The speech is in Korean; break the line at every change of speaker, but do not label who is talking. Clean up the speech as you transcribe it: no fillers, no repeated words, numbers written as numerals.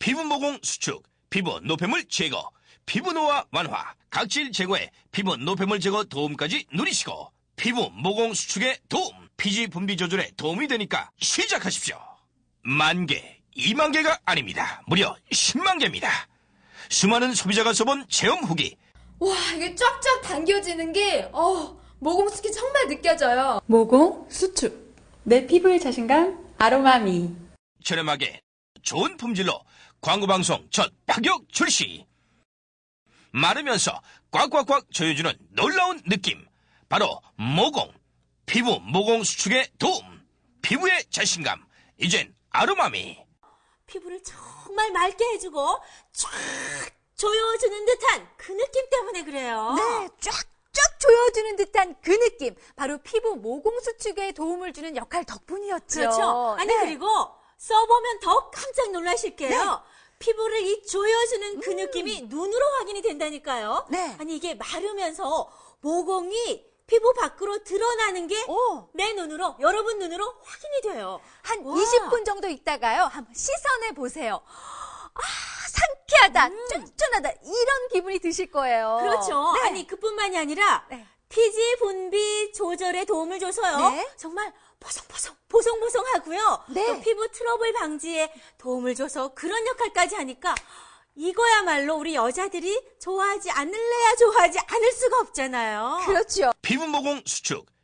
피부 모공 수축, 피부 노폐물 제거, 피부 노화 완화, 각질 제거에 피부 노폐물 제거 도움까지 누리시고 피부 모공 수축에 도움, 피지 분비 조절에 도움이 되니까 시작하십시오. 10,000개, 20,000개가 아닙니다. 무려 100,000개입니다. 수많은 소비자가 써본 체험 후기.
와, 이게 쫙쫙 당겨지는 게 모공수축이 정말 느껴져요.
모공 수축, 내 피부의 자신감 아로마미.
저렴하게 좋은 품질로 광고방송 첫 파격 출시. 마르면서 꽉꽉꽉 조여주는 놀라운 느낌. 바로 모공, 피부 모공 수축에 도움, 피부의 자신감, 이젠 아로마미.
피부를 정말 맑게 해주고 쫙 조여주는 듯한 그 느낌 때문에 그래요.
네, 쫙쫙 조여주는 듯한 그 느낌. 바로 피부 모공 수축에 도움을 주는 역할 덕분이었죠.
그렇죠. 아니,
네.
그리고 써보면 더 깜짝 놀라실게요. 피부를 이 조여주는 그 느낌이 눈으로 확인이 된다니까요.
네.
아니, 이게 마르면서 모공이 피부 밖으로 드러나는 게 내 눈으로, 여러분 눈으로 확인이 돼요.
한
와.
20분 정도 있다가요. 한번 시선해 보세요. 상쾌하다, 쫀쫀하다 이런 기분이 드실 거예요.
그렇죠.
네.
아니, 그뿐만이 아니라
네.
피지 분비 조절에 도움을 줘서요.
네.
정말 보송보송하고요.
네.
또 피부 트러블 방지에 도움을 줘서 그런 역할까지 하니까 이거야말로 우리 여자들이 좋아하지 않을 수가 없잖아요.
그렇죠.
피부 모공 수축,